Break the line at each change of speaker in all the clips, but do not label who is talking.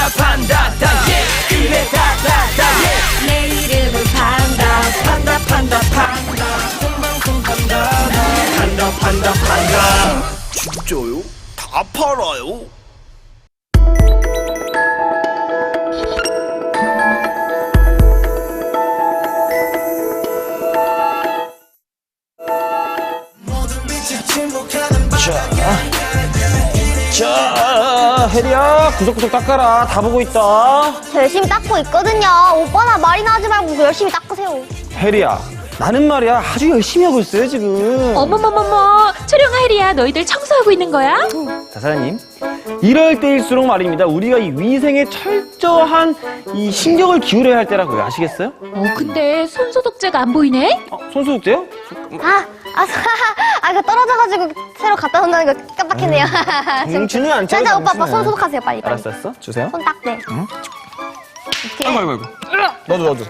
판다다 그래 다다다
내 이름은 판다
판다 진짜요? 다 팔아요?
자, 혜리야, 구석구석 닦아라. 다 보고 있다.
저 열심히 닦고 있거든요. 오빠나 말이나 하지 말고 열심히 닦으세요.
혜리야, 나는 말이야 아주 열심히 하고 있어요 지금.
어머머머머, 초룡아 혜리야, 너희들 청소하고 있는 거야?
자, 사장님, 이럴 때일수록 말입니다. 우리가 이 위생에 철저한 이 신경을 기울여야 할 때라고요. 아시겠어요?
근데 손소독제가 안 보이네?
손소독제요?
이거 떨어져가지고 새로 갖다 놓는다는 거 깜빡했네요.
정신이 안 차려.
자, 오빠
정신을.
손 소독하세요, 빨리.
알았어. 주세요.
손 닦네. 이렇게.
아이고. 너도.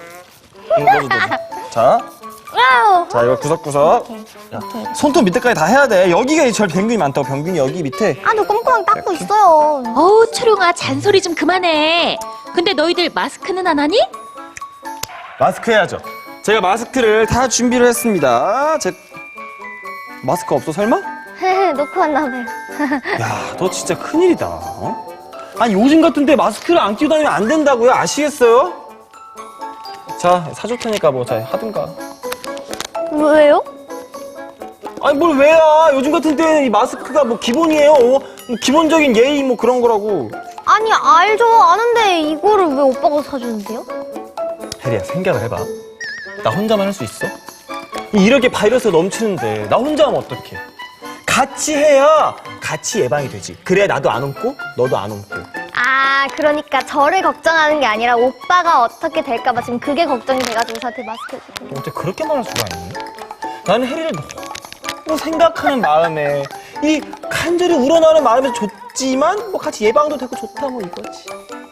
자,
와우.
자 이거 구석구석. 야, 손톱 밑에까지 다 해야 돼. 여기가 제일 병균이 많다고. 병균이 여기 밑에.
저 꼼꼼하게 닦고 있어요.
어우, 초룡아, 잔소리 좀 그만해. 근데 너희들 마스크는 안 하니?
마스크 해야죠. 제가 마스크를 다 준비를 했습니다. 마스크 없어 설마?
놓고 왔나봐요.
야, 너 진짜 큰일이다. 어? 아니 요즘 같은데 마스크를 안 끼고 다니면 안 된다고요? 아시겠어요? 자, 사줄 테니까 뭐 자 하든가.
왜요?
아니 뭘 왜야? 요즘 같은 때는 이 마스크가 뭐 기본이에요. 뭐 기본적인 예의 뭐 그런 거라고.
아니, 알죠. 아는데 이거를 왜 오빠가 사주는데요?
혜리야, 생각을 해봐. 나 혼자만 할 수 있어? 이렇게 바이러스가 넘치는데 나 혼자 하면 어떡해? 같이 해야 같이 예방이 되지. 그래야 나도 안 옮고 너도 안 옮고.
그러니까 저를 걱정하는 게 아니라 오빠가 어떻게 될까봐 지금 그게 걱정이 돼가지고 저한테 마스크 해주고.
어떻게 그렇게 말할 수가 있니? 나는 혜리를 너무 생각하는 마음에 이 간절히 우러나는 마음에서 좋지만 뭐 같이 예방도 되고 좋다 뭐 이거지.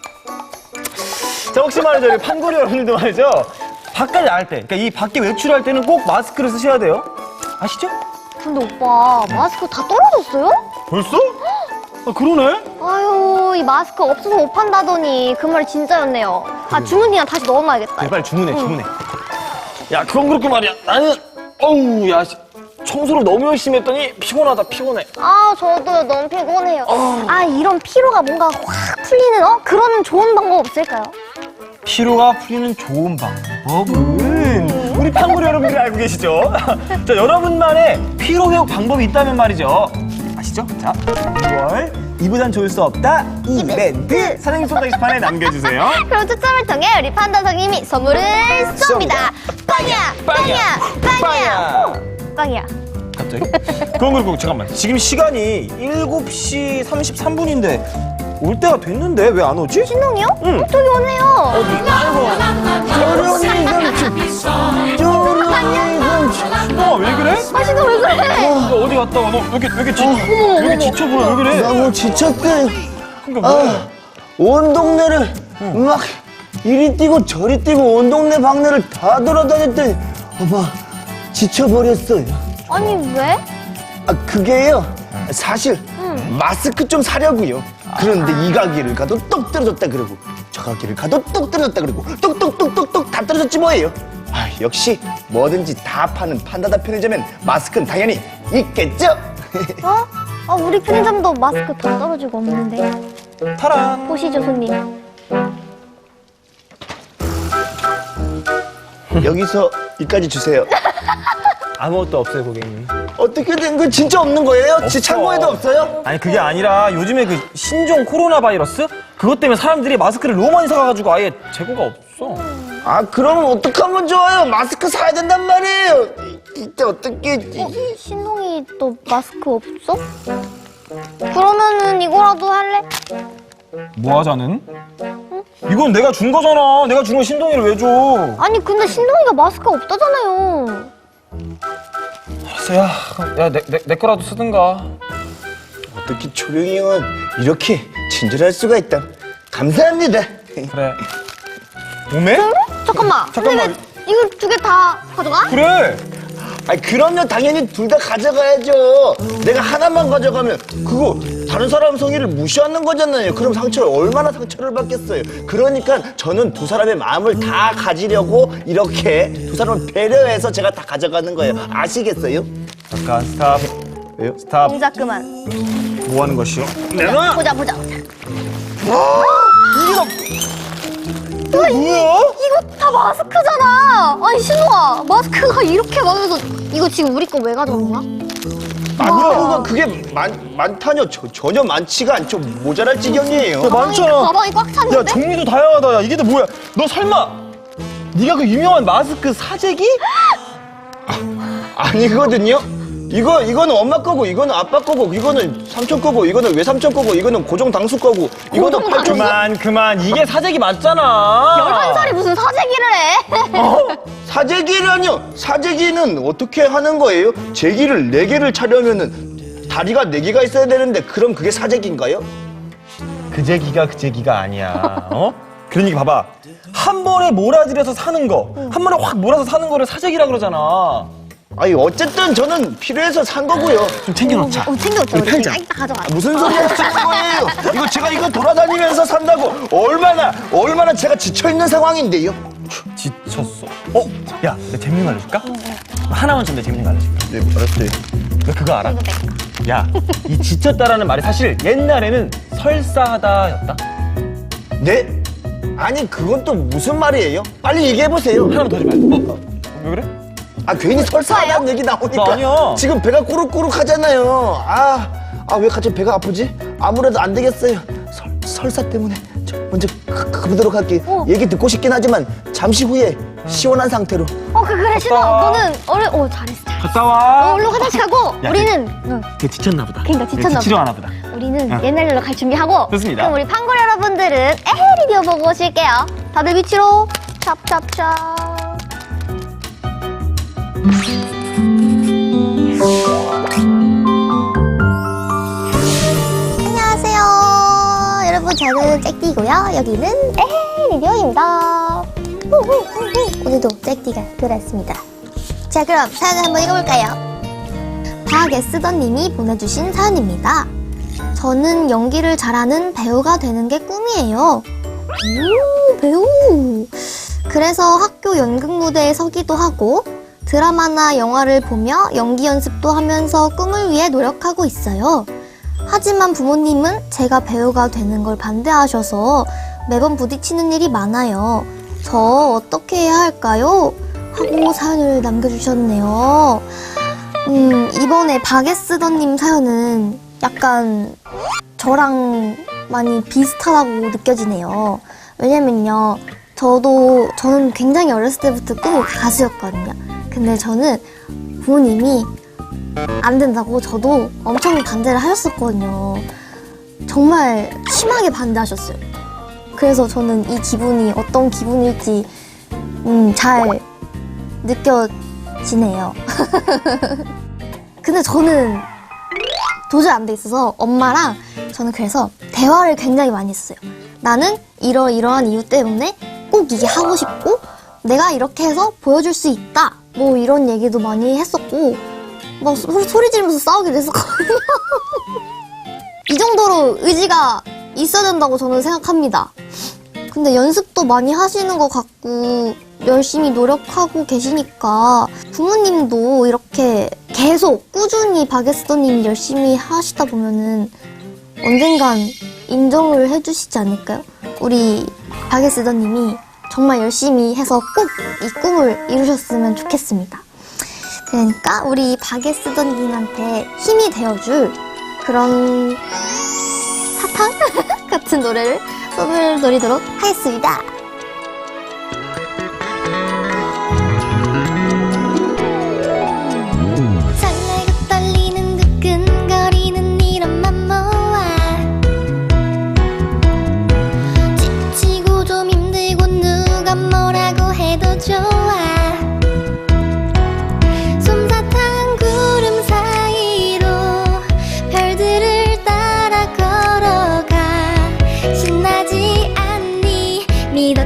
자, 혹시 말이죠, 우리 판고리 여러분들도 말이죠, 바깥에 나갈 때, 그러니까 이 밖에 외출할 때는 꼭 마스크를 쓰셔야 돼요. 아시죠?
근데 오빠 마스크 다 떨어졌어요?
벌써? 아, 그러네?
아유, 이 마스크 없어서 못 판다더니 그 말이 진짜였네요. 주문이나 다시 넣어놔야겠다.
그래, 빨리 주문해. 야, 그건 그렇고 말이야. 나는 어우, 야, 청소를 너무 열심히 했더니 피곤하다.
저도 너무 피곤해요. 이런 피로가 뭔가 확 풀리는 그런 좋은 방법 없을까요?
피로가 풀리는 좋은 방법은 우리 판고리 여러분들이 알고 계시죠? 자, 여러분만의 피로 회복 방법이 있다면 말이죠. 아시죠? 자, 6월 이보단 좋을 수 없다 이벤트 사장님 손 게시판에 남겨주세요.
그럼 추첨을 통해 우리 판다 선생님이 선물을 쏩니다. 빵이야.
갑자기? 그건 그렇고 잠깐만, 지금 시간이 7시 33분인데 올 때가 됐는데 왜 안 오지?
신동이요?
응.
저기 오네요.
신동아, 왜 그래?
신동 왜 그래?
너 어디 갔다 와? 너 왜 이렇게 지쳐 보여? 왜 그래?
너무 지쳤대.
그러니까 왜?
온 동네를 막 이리 뛰고 저리 뛰고 온 동네 방네를 다 돌아다녔더니 엄마 지쳐버렸어요.
아니 왜?
그게요, 사실 마스크 좀 사려고요. 그런데 이 가게를 가도 똑 떨어졌다 그러고 저 가게를 가도 똑 떨어졌다 그러고 똑똑똑똑똑 다 떨어졌지 뭐예요. 역시 뭐든지 다 파는 판다다 편의점엔 마스크는 당연히 있겠죠.
우리 편의점도 마스크 다 떨어지고 없는데.
타란.
보시죠, 손님.
여기서 이까지 주세요.
아무것도 없어요, 고객님.
어떻게 된 거 진짜 없는 거예요?
없어.
창고에도 없어요?
아니, 그게 아니라 요즘에 그 신종 코로나 바이러스? 그것 때문에 사람들이 마스크를 너무 많이 사가지고 아예 재고가 없어.
그러면 어떡하면 좋아요? 마스크 사야 된단 말이에요. 진짜 어떻게?
신동이 또 마스크 없어? 그러면은 이거라도 할래?
뭐 하자는? 이건 내가 준 거잖아. 내가 준 거 신동이를 왜 줘?
아니 근데 신동이가 마스크 없다잖아요.
알았어, 내 거라도 쓰든가.
어떻게 초룡이 형은 이렇게 친절할 수가 있다. 감사합니다.
그래. 오메?
잠깐만.
잠깐만.
근데 왜 이거 두 개 다 가져가?
그래.
그럼요, 당연히 둘 다 가져가야죠. 내가 하나만 가져가면 그거 다른 사람 성의를 무시하는 거잖아요. 그럼 얼마나 상처를 받겠어요. 그러니까 저는 두 사람의 마음을 다 가지려고 이렇게 두 사람을 배려해서 제가 다 가져가는 거예요. 아시겠어요?
잠깐 스탑.
왜요?
스탑.
동작 그만.
뭐 하는 것이요?
보자.
이게
뭐야?
뭐야?
이거 다 마스크잖아. 아니 신우아, 마스크가 이렇게 많아서 이거 지금 우리 거 왜 가져온 거야?
아니요, 그게 많다뇨. 전혀 많지가 않죠. 모자랄 지경이에요.
야, 많잖아.
가방이 꽉 찼는데?
야, 종류도 다양하다. 야, 이게 다 뭐야? 너 설마 네가 그 유명한 마스크 사재기?
아니거든요. 이거는 엄마 거고, 이거는 아빠 거고, 이거는 삼촌 거고, 이거는 외삼촌 거고, 이거는 고정 당수 거고, 이거는
고정
팔촌
당수?
그만. 이게 사재기 맞잖아.
11살이 무슨 사재기를 해?
사재기라뇨. 사재기는 어떻게 하는 거예요? 제기를 4개를 차려면은 다리가 4개가 있어야 되는데 그럼 그게 사재기인가요?
그 제기가 아니야. 어? 그러니까 봐봐. 한 번에 몰아들여서 사는 거, 한 번에 확 몰아서 사는 거를 사재기라 그러잖아.
아니 어쨌든 저는 필요해서 산 거고요.
좀 챙겨놓자.
챙겨줘.
우리 팔자.
이따 가져가.
무슨 소리 하시는 거예요? 제가 이거 돌아다니면서 산다고 얼마나 제가 지쳐있는 상황인데요.
지쳤어. 야, 내가 재밌는 거 알려줄까? 하나만 좀 내 재밌는 거 알려줄까?
네, 알았어요.
너 그거 알아? 야, 이 지쳤다라는 말이 사실 옛날에는 설사하다였다.
네? 아니 그건 또 무슨 말이에요? 빨리 얘기해보세요.
하나만 더 해봐. 왜 그래?
괜히 설사하다는 얘기 나오니까
나 아니야.
지금 배가 꾸룩꾸룩하잖아요. 왜 갑자기 배가 아프지? 아무래도 안 되겠어요. 설사 때문에 저 먼저 가보도록 할게요. 얘기 듣고 싶긴 하지만 잠시 후에 시원한 상태로.
그래 신우아, 너는 잘했어.
갔다 와.
얼른 화장실 가고
야,
우리는
걔 지쳤나 보다.
그러니까 지쳤나
지치려
보다.
하나 보다.
우리는 옛날 일로 갈 준비하고.
좋습니다.
그럼 우리 판골 여러분들은 에헤 리뷰 보고 오실게요. 다들 위치로 찹찹찹. 안녕하세요. 여러분 저는 잭디고요. 여기는 에헤 리뷰입니다. 오늘도 잭디가 돌아왔습니다. 자 그럼 사연을 한번 읽어볼까요? 박애쓰던님이 보내주신 사연입니다. 저는 연기를 잘하는 배우가 되는 게 꿈이에요. 오, 배우! 그래서 학교 연극 무대에 서기도 하고 드라마나 영화를 보며 연기 연습도 하면서 꿈을 위해 노력하고 있어요. 하지만 부모님은 제가 배우가 되는 걸 반대하셔서 매번 부딪히는 일이 많아요. 저 어떻게 해야 할까요? 하고 사연을 남겨주셨네요. 이번에 박애쓰던님 사연은 약간 저랑 많이 비슷하다고 느껴지네요. 왜냐면요, 저는 굉장히 어렸을 때부터 꿈이 가수였거든요. 근데 저는 부모님이 안 된다고 저도 엄청 반대를 하셨었거든요. 정말 심하게 반대하셨어요. 그래서 저는 이 기분이 어떤 기분일지 잘 느껴지네요. 근데 저는 도저히 안 돼 있어서 엄마랑 저는 그래서 대화를 굉장히 많이 했어요. 나는 이러한 이유 때문에 꼭 이게 하고 싶고 내가 이렇게 해서 보여줄 수 있다. 뭐 이런 얘기도 많이 했었고 막 소리 지르면서 싸우기도 했었거든요. 이 정도로 의지가 있어야 된다고 저는 생각합니다. 근데 연습도 많이 하시는 것 같고 열심히 노력하고 계시니까 부모님도 이렇게 계속 꾸준히 박애쓰던님이 열심히 하시다 보면은 언젠간 인정을 해주시지 않을까요? 우리 박애쓰던님이 정말 열심히 해서 꼭 이 꿈을 이루셨으면 좋겠습니다. 그러니까 우리 박애쓰던님한테 힘이 되어줄 그런 사탕 같은 노래를 선물 드리도록 하겠습니다. 설레고 떨리는 두근거리는 이런 맘 모아 지치고 좀 힘들고 누가 뭐라고 해도 좋아 솜사탕 구름 사이로 별들을 따라 걸어가 신나지 않니 믿어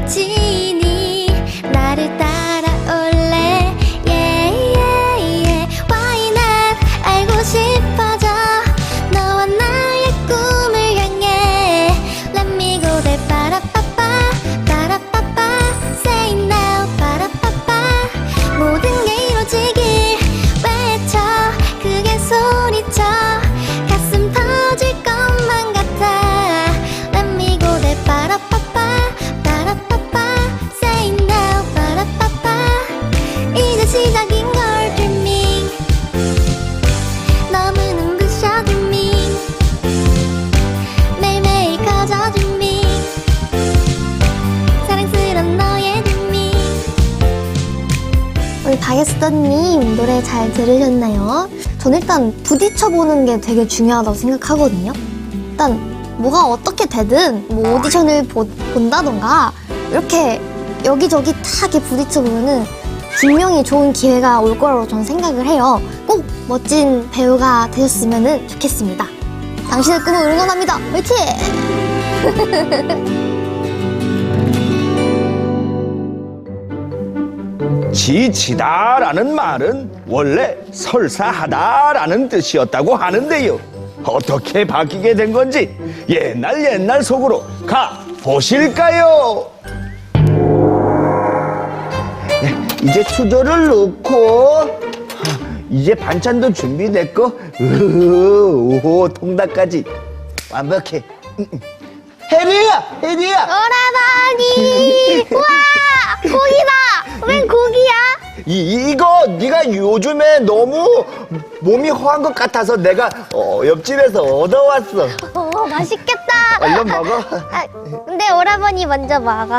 리더님 노래 잘 들으셨나요? 저는 일단 부딪혀보는 게 되게 중요하다고 생각하거든요. 일단 뭐가 어떻게 되든 뭐 오디션을 본다던가 이렇게 여기저기 다 이렇게 부딪혀보면은 분명히 좋은 기회가 올 거라고 저는 생각을 해요. 꼭 멋진 배우가 되셨으면 좋겠습니다. 당신의 꿈을 응원합니다. 화이팅!
지치다라는 말은 원래 설사하다라는 뜻이었다고 하는데요. 어떻게 바뀌게 된 건지 옛날 속으로 가 보실까요? 이제 수저를 넣고 이제 반찬도 준비됐고 오 통닭까지 완벽해. 혜리야
오라버니! 우와! 고기다! 웬 고기야?
이거 네가 요즘에 너무 몸이 허한 것 같아서 내가 옆집에서 얻어왔어.
맛있겠다.
얼른 먹어.
근데 오라버니 먼저 먹어.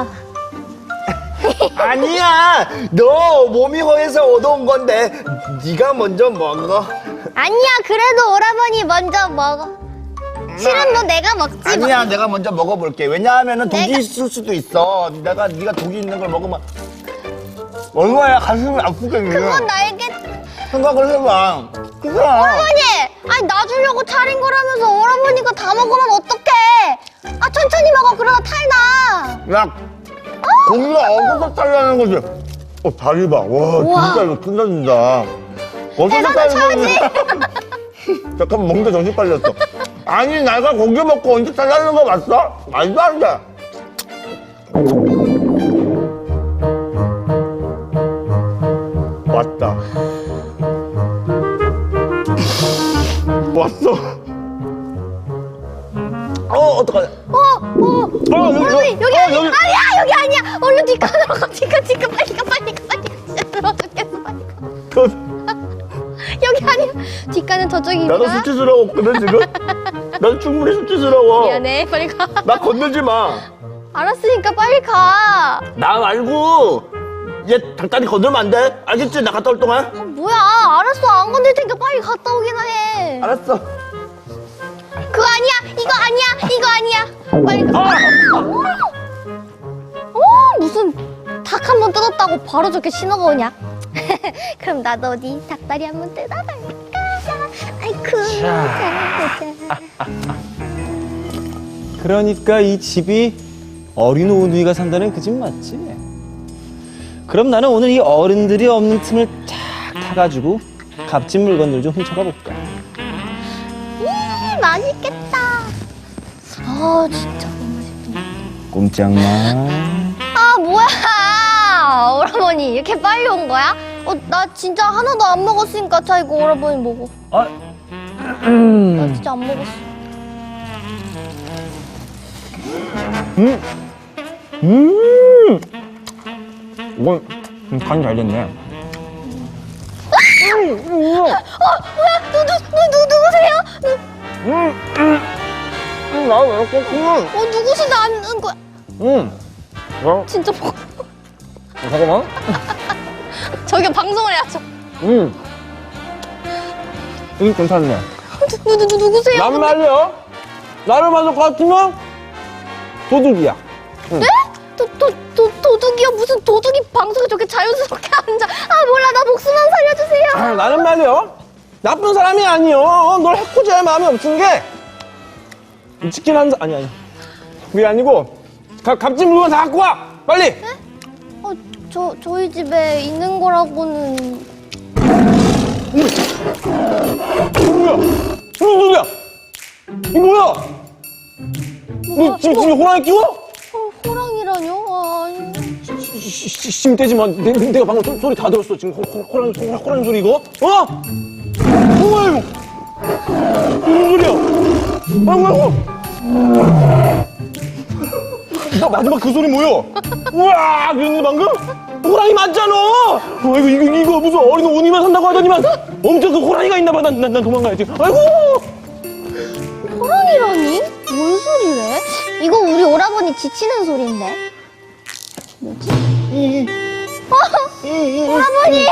아니야, 너 몸이 허해서 얻어온 건데 네가 먼저 먹어.
아니야, 그래도 오라버니 먼저 먹어. 실은 뭐 내가 먹지.
아니야, 내가 먼저 먹어볼게. 왜냐하면은 독이
내가-
있을 수도 있어. 네가 독이 있는 걸 먹으면 얼마나 가슴이 아프겠니?
그건 알겠.
생각을 해봐. 그래.
오라버니! 아니, 나 주려고 차린 거라면서 오라버니가 다 먹으면 어떡해? 아, 천천히 먹어. 그러다 탈나.
야, 고기가 어디서 잘라는 거지? 다리 봐. 와,
우와.
진짜 이거 끝나준다. 어디서
대단한
자르는 거야? 잠깐만, 먹는데 정신 빨렸어. 아니, 내가 고기 먹고 언제 잘라는 거 맞어? 말도 안 돼. 왔다. 왔어. 어떡하냐.
오라버니, 여기 아니야.
여기.
아니야, 여기 아니야. 얼른 뒷간으로 가. 뒷간. 빨리 가. 진짜 들어 죽겠어. 빨리 가. 여기 아니야. 뒷간은 저쪽이구나.
나도 수치스러웠거든, 지금? 난 충분히 수치스러워.
미안해. 빨리 가.
나 건들지 마.
알았으니까 빨리 가.
나 말고 얘 닭다리 건들면 안 돼. 알겠지? 나 갔다 올 동안.
뭐야? 알았어. 안 건들 테니까 빨리 갔다 오기나 해.
알았어.
그거 아니야. 이거 아니야. 빨리 가. 무슨 닭 한 번 뜯었다고 바로 저렇게 신호가 오냐? 그럼 나도 어디 닭다리 한 번 뜯어볼까? 아이쿠. 자.
그러니까 이 집이 어린 오누이가 산다는 그 집 맞지? 그럼 나는 오늘 이 어른들이 없는 틈을 쫙 타가지고 값진 물건들 좀 훔쳐가 볼까?
맛있겠다. 아, 진짜 너무 맛있다.
꼼짝마.
아, 뭐야? 오라버니 이렇게 빨리 온 거야? 나 진짜 하나도 안 먹었으니까 자 이거 오라버니 먹어. 나 진짜 안 먹었어.
이건 간이 잘 됐네.
뭐야? 누구세요?
나왜 이렇게 크?
누구신데 안 거야? 진짜 먹어.
잠깐만.
저기 방송을 해야죠.
이거 괜찮네.
누구세요?
난 말이야. 나를 만족 같으면 도둑이야.
네? 도둑이요? 무슨 도둑이 방송에 저렇게 자연스럽게 앉아? 아, 몰라. 나 목숨만 살려주세요.
나는 말이야. 나쁜 사람이 아니여. 널 해코지할 마음이 없은 게 치킨 한 사... 아니. 그게 아니고 값진 물건 다 갖고 와. 빨리.
저희 집에 있는 거라고는.
뭐야? 무슨 소리야? 이거 뭐야? 너 집에 호랑이 끼워?
호랑이라뇨? 아니.
심 떼지 마. 내가 방금 소리 다 들었어. 지금 호랑이 소리 이거? 뭐야 이거? 무슨 소리야? 나 마지막 그 소리 뭐야? 우와! 그랬는데 방금? 호랑이 맞잖아! 이거 무슨 어린 오니만 산다고 하더니만 엄청 그 호랑이가 있나 봐. 난 도망가야지. 아이고!
호랑이라니? 뭔 소리래? 이거 우리 오라버니 지치는 소리인데. 뭐지? 오라버니,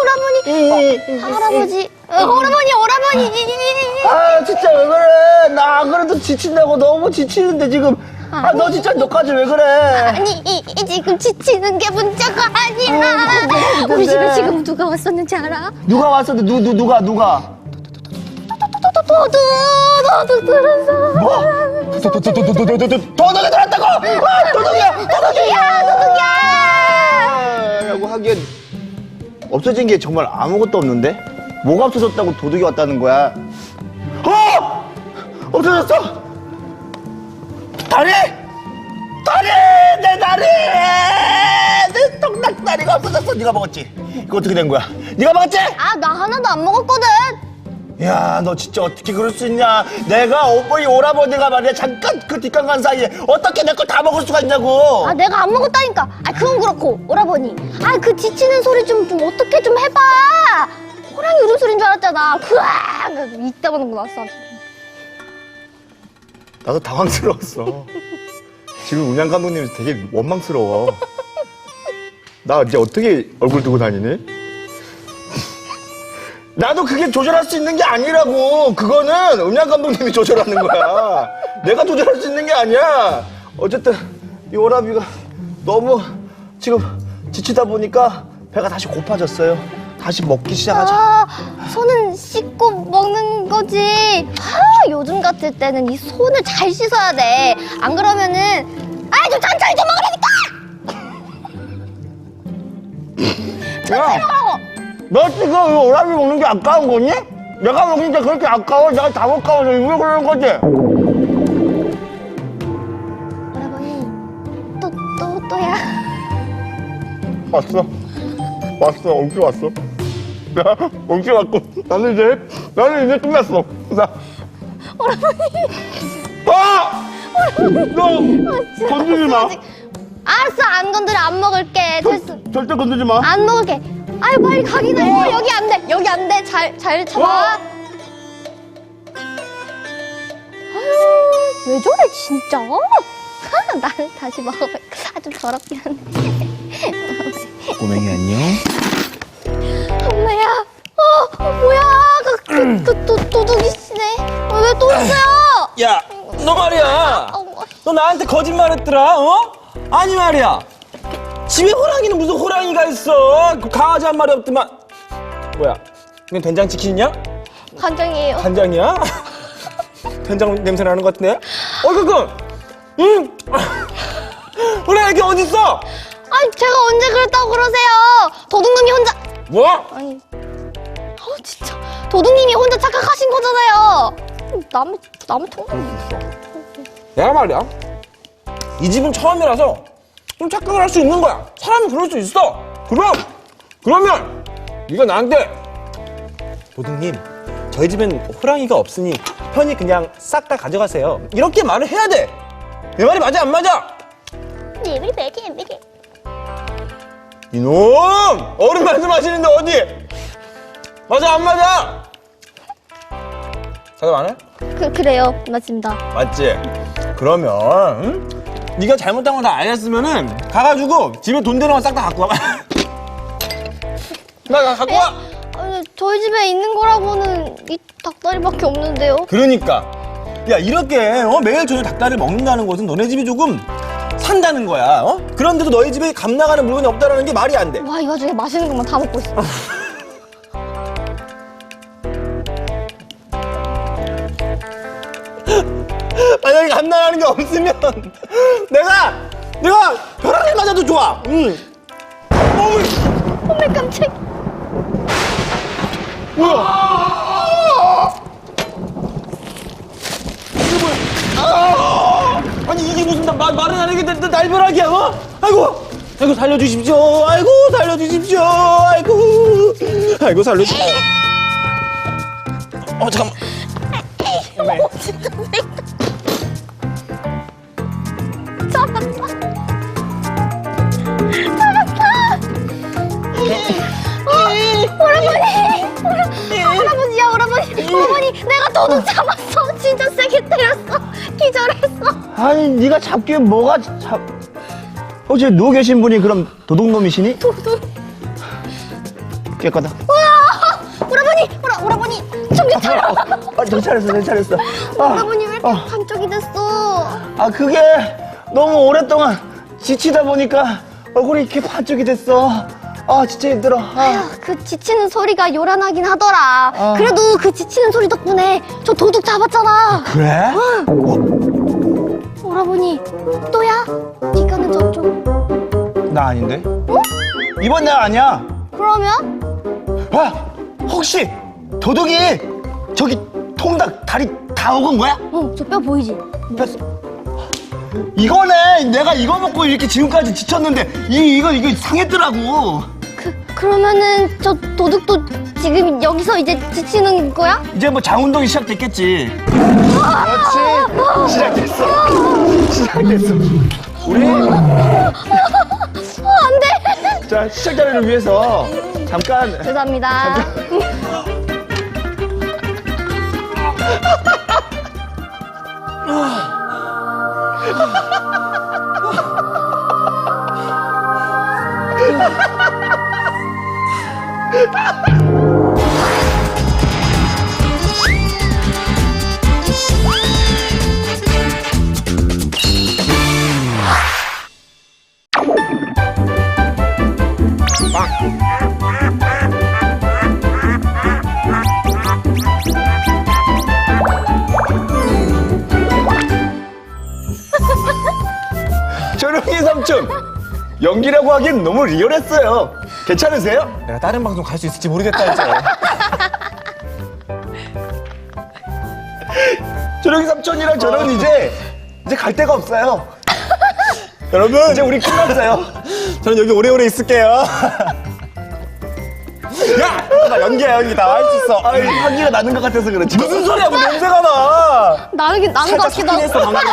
할아버지, 오라버니.
아 진짜 왜 그래? 나 안 그래도 지친다고 너무 지치는데 지금. 아 너 진짜 너까지 왜 그래?
아니, 지금 지치는 게 문제가 아니라. 우리 집에 지금 누가 왔었는지 알아?
누가 왔었는데 누가?
도둑 들었어.
뭐? 도둑이 들었다고? 아, 도둑이야! 라고 하기엔 없어진 게 정말 아무것도 없는데? 뭐가 없어졌다고 도둑이 왔다는 거야? 없어졌어! 다리! 내 다리! 내 떡락다리가 없어졌어! 네가 먹었지? 이거 어떻게 된 거야? 네가 먹었지?
아, 나 하나도 안 먹었거든.
야, 너 진짜 어떻게 그럴 수 있냐? 내가 오라버니가 말이야 잠깐 그 뒷강 간 사이에 어떻게 내 걸 다 먹을 수가 있냐고?
아, 내가 안 먹었다니까. 아, 그건 그렇고 오라버니. 아, 그 지치는 소리 좀 어떻게 좀 해봐. 호랑이 울음소리인 줄 알았잖아. 으악! 이따만한 거 났어.
나도 당황스러웠어. 지금 음향 감독님이 되게 원망스러워. 나 이제 어떻게 얼굴 두고 다니니? 나도 그게 조절할 수 있는 게 아니라고. 그거는 음향 감독님이 조절하는 거야. 내가 조절할 수 있는 게 아니야. 어쨌든 이 오라비가 너무 지금 지치다 보니까 배가 다시 고파졌어요. 다시 먹기 시작하자.
아, 손은 씻고 먹는 거지. 아, 요즘 같을 때는 이 손을 잘 씻어야 돼. 안 그러면은 좀 천천히 좀 먹으라니까.
야, 너 지금 이 오라비 먹는 게 아까운 거니? 내가 먹는 게 그렇게 아까워? 내가 다 못 가워서 일부러 그러는 거지?
오라버니, 또야.
왔어. 엉키 왔어. 야, 엉키 왔고. 나는 이제 끝났어. 나.
오라버니.
너 건드리지 마.
알았어, 안 건드려. 안 먹을게. 됐어.
절대 건드리지 마.
안 먹을게. 아유, 빨리 가긴 해. 여기 안 돼. 잘 참아. 아유, 왜 저래, 진짜? 나는 다시 먹어볼까? 좀 더럽긴 한데.
꼬맹이 안녕.
엄마야. 뭐야. 도둑이 씨네. 왜 또 있어요?
야, 너 말이야. 너 나한테 거짓말했더라, 어? 아니 말이야. 집에 호랑이는 무슨 호랑이가 있어? 그 강아지 한 마리 없더만. 뭐야? 이건 된장치킨이냐?
간장이에요.
간장이야? 된장 냄새 나는 것 같은데? 호랑이 이게 어딨어?
아니, 제가 언제 그랬다고 그러세요? 도둑님이 혼자.
뭐?
아니. 진짜. 도둑님이 혼자 착각하신 거잖아요. 남의 통닭이.
내가 말이야. 이 집은 처음이라서 좀 착각을 할 수 있는 거야. 사람이 그럴 수 있어. 그러면 네가 나한테 도둑님, 저희 집엔 호랑이가 없으니 편히 그냥 싹 다 가져가세요. 이렇게 말을 해야 돼. 내 말이 맞아 안 맞아? 이놈! 어른 말씀하시는데 어디? 맞아 안 맞아? 대답 안 해?
그래요. 맞습니다.
맞지? 그러면 네가 잘못한 거 다 알았으면은 가가지고 집에 돈 되는 거 싹 다 갖고 와. 나 갖고 와.
아니, 저희 집에 있는 거라고는 이 닭다리밖에 없는데요.
그러니까 야 이렇게 매일 저녁 닭다리를 먹는다는 것은 너네 집이 조금 산다는 거야. 그런데도 너희 집에 값 나가는 물건이 없다라는 게 말이 안 돼.
와, 이 와중에 맛있는 것만 다 먹고 있어.
만약에 값 나가는 게 없으면 내가 벼락을 맞아도 좋아.
어메, 깜짝.
아니 이게 무슨 말은 안 하게 날벼락이야. 아이고 살려주십시오. 아이고 살려주십시오. 아이고 살려주십시오. 잠깐만.
진짜 잡았다. 오라버니, 내가 도둑 잡았어. 진짜 세게 때렸어. 기절했어.
아니 네가 잡기에 뭐가 혹시 누워 계신 분이 그럼 도둑놈이시니? 도둑. 깨끗하다.
오라버니 정신 차려.
정신 차렸어.
오라버니 왜 이렇게 반쪽이 됐어?
그게 너무 오랫동안 지치다 보니까 얼굴이 이렇게 반쪽이 됐어. 진짜 힘들어.
아휴, 그 지치는 소리가 요란하긴 하더라. 그래도 그 지치는 소리 덕분에 저 도둑 잡았잖아.
그래?
오라버니 또야? 니가는 저쪽.
나 아닌데? 이번 나 아니야.
그러면?
혹시 도둑이 저기 통닭 다리 다 먹은 거야?
저 뼈 보이지?
이거네. 내가 이거 먹고 이렇게 지금까지 지쳤는데 이거 상했더라고.
그러면은 저 도둑도 지금 여기서 이제 지치는 거야?
이제 뭐 장운동이 시작됐겠지. 그렇지. 시작됐어. 우리
안 돼.
자, 시청자를 위해서 잠깐.
죄송합니다.
조룡이 삼촌, 연기라고 하기엔 너무 리얼했어요. 괜찮으세요?
내가 다른 방송 갈 수 있을지 모르겠다 이제.
조룡이 삼촌이랑 저는 이제 갈 데가 없어요. 여러분, 이제 우리 끝났어요.
저는 여기 오래오래 있을게요. 야! 나 연기야 연기 다 할 수 있어.
향기가 나는 것 같아서 그렇지.
무슨 소리야? 뭐 냄새가 나.
나는 것
살짝
같기도 하고.
스킨했어 방금.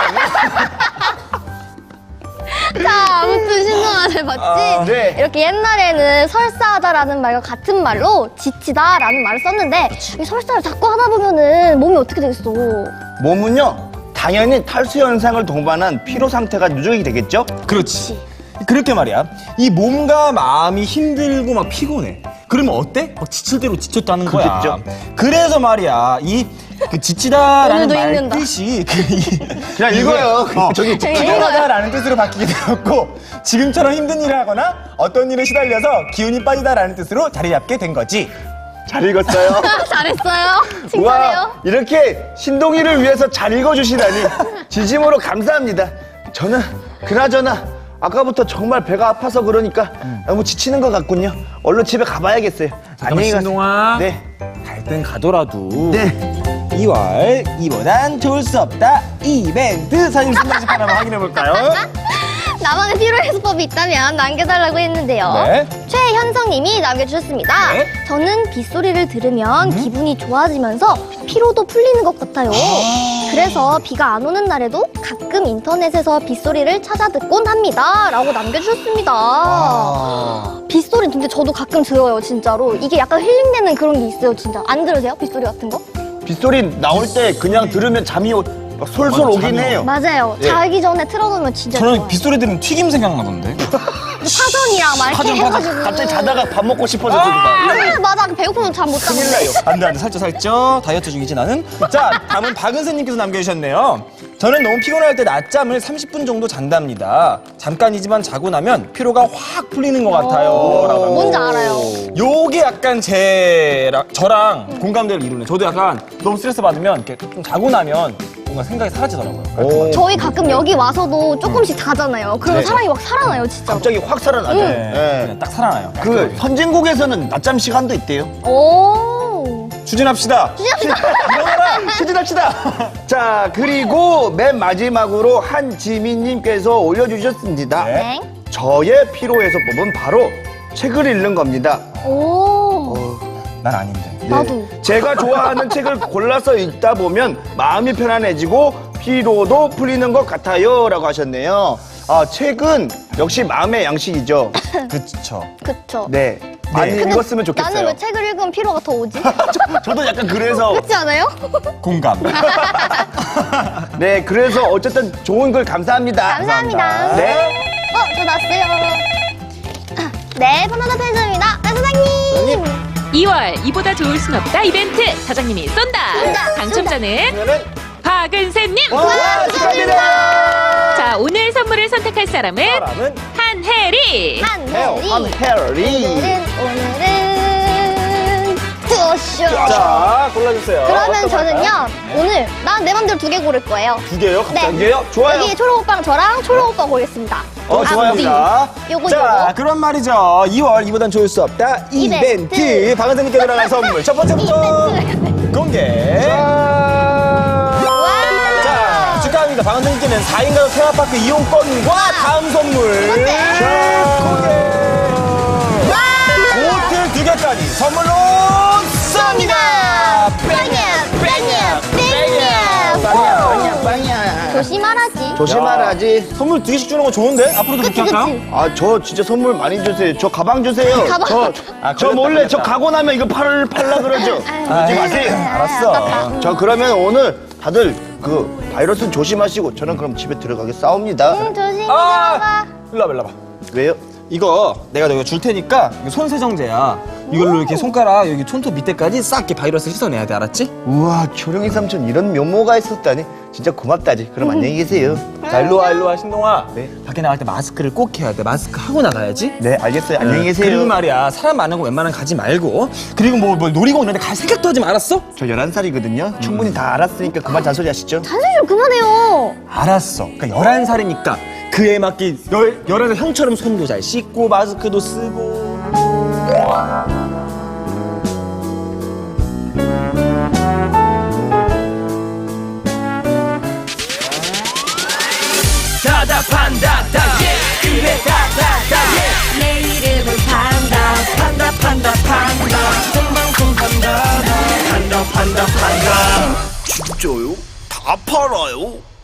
자, 아무튼 신동아를 봤지?
네.
이렇게 옛날에는 설사하다라는 말과 같은 말로 지치다라는 말을 썼는데 이 설사를 자꾸 하다 보면은 몸이 어떻게 되겠어?
몸은요, 당연히 탈수 현상을 동반한 피로 상태가 누적이 되겠죠?
그렇지. 그렇게 말이야. 이 몸과 마음이 힘들고 막 피곤해. 그러면 어때? 막 지칠 대로 지쳤다는 거야.
그렇겠죠.
그래서 말이야. 그 지치다라는
오늘도
말
읽는다.
뜻이
그냥 읽어요. 저기
피곤하다라는 뜻으로 바뀌게 되었고 지금처럼 힘든 일을 하거나 어떤 일에 시달려서 기운이 빠지다라는 뜻으로 자리 잡게 된 거지.
잘 읽었어요.
잘했어요. 칭찬해요.
이렇게 신동이를 위해서 잘 읽어주시다니 진심으로 감사합니다. 저는 그나저나 아까부터 정말 배가 아파서 그러니까 너무 지치는 것 같군요. 얼른 집에 가봐야겠어요. 안녕히 가세요.
신동아.
네.
갈 땐 가더라도
네.
2월 이보단 좋을 수 없다 이벤트 사진 순간집 하나만 확인해 볼까요?
나만의 피로 해소법이 있다면 남겨달라고 했는데요.
네.
최현성님이 남겨주셨습니다.
네.
저는 빗소리를 들으면 기분이 좋아지면서 피로도 풀리는 것 같아요. 그래서 비가 안 오는 날에도 가끔 인터넷에서 빗소리를 찾아 듣곤 합니다. 라고 남겨주셨습니다. 빗소리 근데 저도 가끔 들어요, 진짜로. 이게 약간 힐링되는 그런 게 있어요, 진짜. 안 들으세요? 빗소리 같은 거?
빗소리 나올 때 그냥 들으면 잠이 막 솔솔
맞아,
오긴
잠이
해요.
맞아요.
예.
자기 전에 틀어놓으면 진짜
저는
좋아요.
빗소리 들으면 튀김 생각나던데.
파전이랑 막 이렇게 해가지고.
갑자기 자다가 밥 먹고 싶어져서 막.
맞아. 배고프면 잠 못 자고.
큰일 나요.
안돼 살쪄 다이어트 중이지 나는. 자 다음은 박은세님께서 남겨주셨네요. 저는 너무 피곤할 때 낮잠을 30분 정도 잔답니다. 잠깐이지만 자고 나면 피로가 확 풀리는 것 같아요. 라고
뭔지 알아요.
요게 약간 저랑 공감대를 이루네. 저도 약간 너무 스트레스 받으면 이렇게 좀 자고 나면 뭔가 생각이 사라지더라고요.
오,
저희 가끔 여기 와서도 조금씩 자잖아요. 그러면
네.
사람이 막 살아나요, 진짜.
갑자기 확 살아나죠.
네. 그냥 딱 살아나요.
그 선진국에서는 낮잠 시간도 있대요.
오.
추진합시다.
일어나라! 추진합시다! 자, 그리고 맨 마지막으로 한지민님께서 올려주셨습니다.
네.
네.
저의 피로해소법은 바로 책을 읽는 겁니다.
오.
난 아닌데.
나도.
제가 좋아하는 책을 골라서 읽다 보면 마음이 편안해지고 피로도 풀리는 것 같아요. 라고 하셨네요. 책은 역시 마음의 양식이죠.
그쵸.
그쵸.
네. 많이
근데
읽었으면 좋겠어요.
나는 왜 책을 읽으면 피로가 더 오지?
저도 약간 그래서.
그렇지 않아요?
공감.
네, 그래서 어쨌든 좋은 글 감사합니다.
감사합니다.
네.
저 났어요. 네, 바나나 편의점입니다. 아, 사장님.
2월 이보다 좋을 순 없다 이벤트 사장님이 쏜다.
쏜다,
당첨자는
그러면은
박은세님.
와, 축하드립니다.
자, 오늘 선물을 선택할 사람은
사람은
한혜리.
한혜리.
한혜리.
오늘은 투어쇼.
자, 골라주세요.
그러면
어떤 거
저는요,
할까요?
오늘 난 내 맘대로 2개 고를 거예요.
두 개요?
네.
두 개요? 좋아요.
여기 초록 오빠랑 저랑 초록 오빠 고르겠습니다.
좋아합니다.
요거,
자,
요거.
그런 말이죠. 2월 이보단 좋을 수 없다.
이벤트.
이벤트. 박은세님께 들어갈 선물. 첫 번째부터 공개. 자, 축하합니다. 박은세님께는 4인 가족 테마파크 이용권과 다음 선물. 공개. 호텔 2개까지 선물로 쏩니다.
빵이야. 조심하라지.
조심하라지.
선물 2개씩 주는 거 좋은데? 앞으로도 그렇게
그치,
할까요?
그치.
아, 저 진짜 선물 많이 주세요. 저 가방 주세요.
가방.
저 몰래 저 가고 나면 이거 팔라 그러죠. 그러지 마세요.
알았어.
저 그러면 오늘 다들 그 바이러스 조심하시고 저는 그럼 집에 들어가겠사옵니다.
조심히
아!
들어가.
일로 와봐, 일로 와봐.
왜요?
이거 내가 너가 줄 테니까 이거 손세정제야. 이걸로 이렇게 손가락 여기 손톱 밑에까지 싹 이렇게 바이러스 씻어내야 돼, 알았지?
우와, 초령이 삼촌 이런 면모가 있었다니. 진짜 고맙다지. 그럼 안녕히 계세요.
자, 일로 와, 신동아.
네.
밖에 나갈 때 마스크를 꼭 해야 돼. 마스크 하고 나가야지.
네, 알겠어요. 안녕히 계세요.
그리고 말이야, 사람 많은 거 웬만하면 가지 말고. 그리고 뭐 놀이공원 이런 데 갈 생각도 하지 말았어?
저 11살이거든요. 충분히 다 알았으니까 그만 잔소리 하시죠.
잔소리 좀 그만해요.
알았어. 그러니까 11살이니까 그에 맞게 11살 형처럼 손도 잘 씻고 마스크도 쓰고.
다다판다 다 예. 그래 다다다 예. 내 이름은 판다 생방송 판다 진짜요? 다 팔아요?